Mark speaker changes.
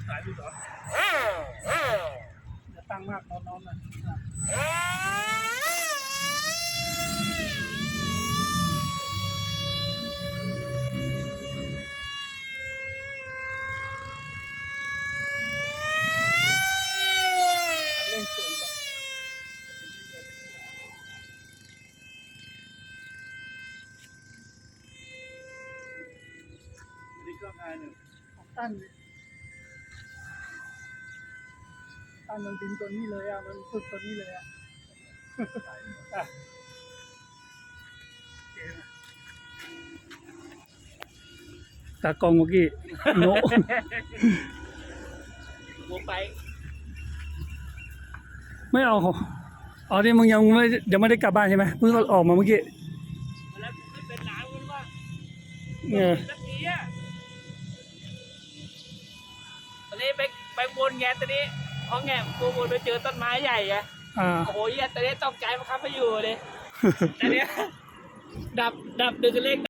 Speaker 1: สายดูเหรอจะตั้งมากน้องๆนะเร่งสูงก่อนนี่เครื่องไงหนึ่งของตั้นมันบินตัวนี้เลยอ่ะมันฝึกตัวนี้เลยอ่ะตากล้องเมื่อกี้โน้หัวไปไม่เอาอ๋อที่มึงยังไม่ได้กลับบ้านใช่ไหมเพิ่งออกมาเมื่อกี้แล้วไม่เป็นหนาวกันว่าสักทีอ่ะตอนนี้ไปวนแงตอนนี้พอแงกูวนไปเจอต้นไม้ใหญ่ไงโอ้โหตอนนี้ตกใจมาครับไปอยู่เลยตอนนี้ดับดึกเล็ก